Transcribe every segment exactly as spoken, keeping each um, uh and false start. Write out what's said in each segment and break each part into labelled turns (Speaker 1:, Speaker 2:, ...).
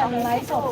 Speaker 1: นไลฟ์สด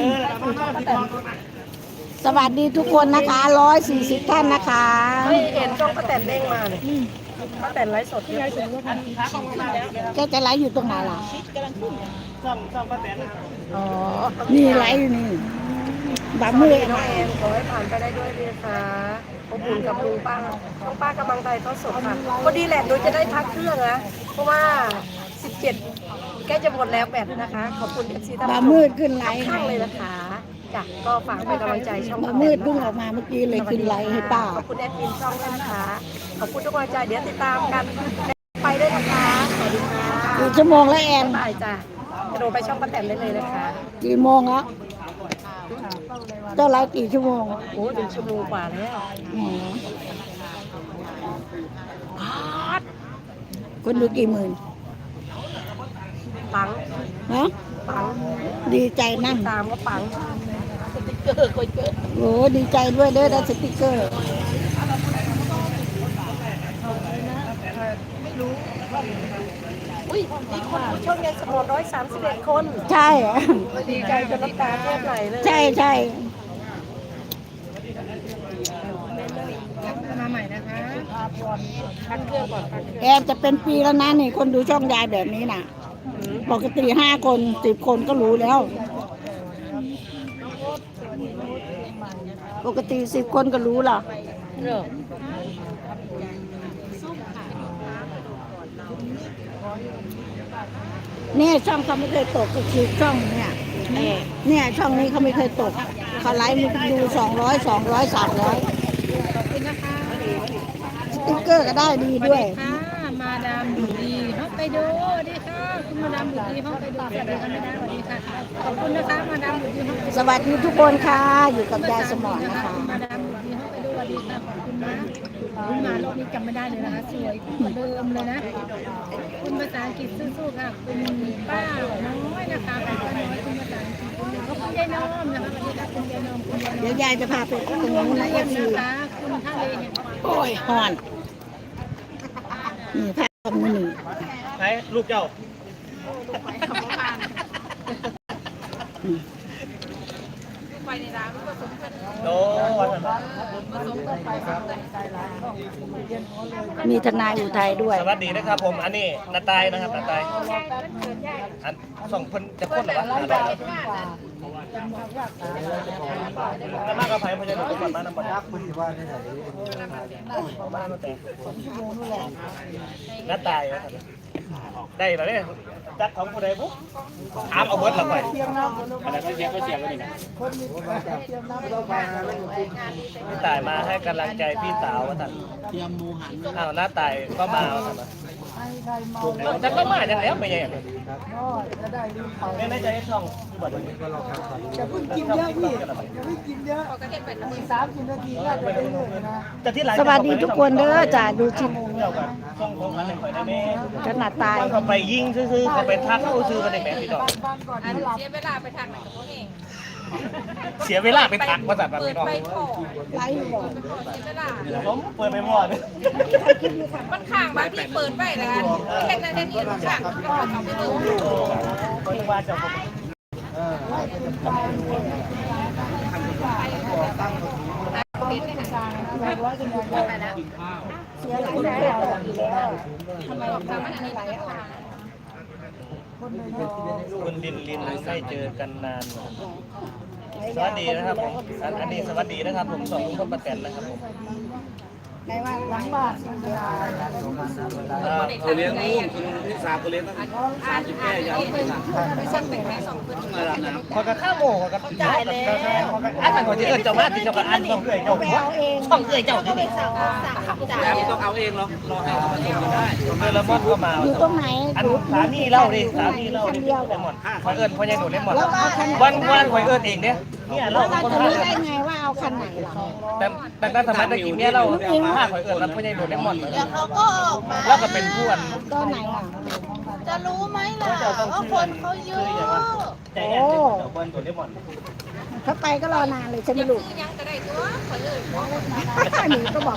Speaker 2: สวัสดีทุกคนนะคะร้อยสี่สิบท่านนะคะ
Speaker 1: ไม่เห็นช่องป้าแตนเด้งมาเลยป้าแตนไลฟ์สดเนี่ย
Speaker 2: แกจะไลฟ์อยู่ตรงไหนล่ะ
Speaker 3: ช่องช่องป้าแตนนะ
Speaker 1: อ๋อ
Speaker 2: นี่ไลฟ์อยู่นี่บามือ
Speaker 1: น้องแอนขอให้ผ่านไปได้ด้วยเลยค่ะอบอุ่นกับลุงป้าน้องป้ากำลังใจเขาสดค่ะพอดีแหละโดยจะได้พักเครื่องนะเพราะว่าสิบเจ็ดแกจะหมดแล้วแบตนะคะขอบคุณเอฟซีท่าน
Speaker 2: บา
Speaker 1: ผู้ช
Speaker 2: มื
Speaker 1: ม
Speaker 2: ดขึ้นไลฟ์
Speaker 1: ข้างเลยนะคะจ้ะก็ฝากเป็นกำลังใจช่อง
Speaker 2: บามืดเพิ่งออกมาเมื่อกี้เลยขึ้นไลฟ์ให้ป้า
Speaker 1: ขอบคุณแอดมินช่องด้วยนะคะขอบคุณทุกกำลังใจเดี๋ยวติดตามกันไปด้วยนะคะสวัสดีค่ะ
Speaker 2: กี่ชั่วโมงแล้วแอน
Speaker 1: บ๊ายบายจ้ะกระโดดไปช่องป้าแตนได้เลยนะคะ
Speaker 2: กี่โมงแล้วเจ้าไลฟ์กี่ชั่วโมง
Speaker 1: โอ้ถึงชั่วโมงกว่าแล้ว
Speaker 2: อ๋อคนดูกี่หมื่น
Speaker 1: ปัง
Speaker 2: ฮะ
Speaker 1: ปัง
Speaker 2: ดีใจนั่ง
Speaker 1: ตามก็ปัง
Speaker 2: โอ้ดีใจด้วยเด้อได้สติ๊กเกอร์
Speaker 1: อุ้ยมีคนดูช่องยายสมอนร้อยสามสิบเอ็ดคน
Speaker 2: ใช่อะ
Speaker 1: ดีใจจนน้ำตาแทบไหลเลย
Speaker 2: ใช่ใช่
Speaker 1: มาใหม่นะคะพักเครื่องก่อนพักเครื่อง
Speaker 2: แอนจะเป็นปีแล้วนะนี่คนดูช่องยายแบบนี้น่ะ ปกติห้าคนสิบคนก็รู้แล้ว ปกติสิบคนก็รู้ล่ะ
Speaker 1: เรื่อง
Speaker 2: เนี่ยช่องเขาไม่เคยตกก็คือช่องเนี่ยเนี่ยช่องนี้เขาไม่เคยตกเขาไลฟ์มีดูสองร้อยสองร้อยสามร้อย
Speaker 1: ขอบคุณนะคะ
Speaker 2: สติ๊กเกอร์ก็ได้ดีด้วย
Speaker 1: ค่ะมาดามบุดีฮอกไปดูสวัสดีค่ะคุณมาดามบุดีฮอกไปดูสวัสดีค่ะไม่ได้สวัสดีค่ะขอบคุณนะคะมาดามบุดีฮอกไปดู
Speaker 2: สวัสดีทุกคนค่ะ อยู่กับยายสมอนนะคะ
Speaker 1: มาดามบุดีฮอกไปดูสวัสดีค่ะขอบคุณนะคุณมารอบนี้จำไม่ได้เลยนะคะสวยเหมือนเดิมเลยนะคุณภาษาอังกฤษสู้ๆค่ะคุณป้าน้อยนะคะคุณป้าน้อยคุณภาษาอังกฤษขอบคุณยายน้อมนะคะสวัสดีค่ะคุณยายน้อมคุณยายน้อม
Speaker 2: เดี๋ยวยายจะพาไปตรงนู้นนะเอฟซี
Speaker 1: นะคะคุณท่าเลเนี่ย
Speaker 2: โอ้ยฮอนนี่พาตรงนี้นี่
Speaker 3: ไหนลูกเจ้าโอ้วันนั้น
Speaker 2: มีทนายอุทัยด้วย
Speaker 3: สวัสดีนะครับผมอันนี้นาตายนะครับนาตายอันสองคนจะพ่นหรอวะนาตายแล้วมากกับไผ่พญานาคก่อนมาน้ำมันยักษ์คุณว่าได้ไหนมาน้ำแต่นาตายนะครับได้แล้วเนี่ยจัดของผู้ใดบุ๊กถามเอาเบิร์ดเราไปอะไรก็เสียก็เสียกันนี่นะพี่ตายมาให้กำลังใจพี่สาวว่าท่านเตรียมหมูหันอ้าวน้าตายก็มาว่าท่านจะก็มาอย่างแล้วไม่ใช่ไม่ในใจช่องที่บัดนี้จะเพิ่งกินเยอะพี่จะไม่กินเยอะมีสามสิบนาทีก็จะได้เลยนะ
Speaker 2: สวัสดีทุกคนเด้อจ้าดูชิม
Speaker 3: เจ้ากันช่องของมันในข่อยได้ไหม
Speaker 2: ขนาดตาย
Speaker 3: เขาไปยิงซื้อๆเขาไปทักเขาซื้อกันในแม่พี่ดอก
Speaker 4: อันเสียเวลาไปทางไหนกับพวกเอง
Speaker 3: เสียเวลาไปทักว่าสัตว์แบบ
Speaker 4: เปิด
Speaker 3: พี่ดอก
Speaker 4: ไปขอ
Speaker 2: ไลฟ์บอก
Speaker 4: เสียเวลา
Speaker 3: ผมเปิดไปหมด
Speaker 4: มันข้างบางที่เปิดไปแล้วกันแค่นั้นเองมันข้างมันก็เขาไปดู
Speaker 3: เขาจะว่าเจ้าผม
Speaker 2: เสียหลายแล้ว
Speaker 4: ทำไมทำอันนี้ไหลออก
Speaker 3: คุณลินลินไม่เจอกันนาน สวัสดีนะครับผมอันอันนี้สวัสดีนะครับผมสองลุงพลป้าแตนนะครับผม
Speaker 2: ในว่าหลังบ้าน
Speaker 3: เขาเลี้ยงลูกพี่สาวเขาเลี้ยงตั้ง
Speaker 4: อ่านอ่านที่ไปสั่งแต่งแม่สองคน
Speaker 3: คนกับข้าวโม่คนกับจ่ายแล้วอันนั้นคนที่เอิญเจ้ามาที่เจ้ากับอันต้องเอื่อยเจ้าช่องเอื่อยเจ้าที่นี่
Speaker 4: สั่งขับจ่าย
Speaker 3: ต้องเอาเองหรอกรอให้เขามาส่งกันได้เมื่อละมดก็มา
Speaker 2: อยู่ตรงไหน
Speaker 3: อันสามีเล่าดิสามีเล่าดิเลมอนคอยเอิญพอยายหนูเลมอนวันวันคอยเอิญเองเนี่ยเนี่ยเรา
Speaker 2: เรา
Speaker 3: คน
Speaker 2: จะ
Speaker 3: พา
Speaker 2: รู้
Speaker 3: เอิ
Speaker 2: ได้
Speaker 3: ญ
Speaker 2: ไงว่าเอาคันไหนล่ะ
Speaker 3: แต่แต่ตั้งสมัยตะกี้เนี่ยเราพาคอยเอิญแล้วพอยายหนูเลมอน
Speaker 4: เขาก็ออกมา
Speaker 3: แล้วก็เป็นผู้อัน
Speaker 2: ตอนไหนล่ะ
Speaker 4: จะรู้ไหมล่ะว่าคนเขาเยอะ
Speaker 3: ใจแอนเจ้าคนตัวเลมอน
Speaker 2: ถ้าไปก็รอนานเลยใช่ไหมลูก
Speaker 4: คือยังก็ได้ตัวคนอื่น
Speaker 2: หนูก็บอก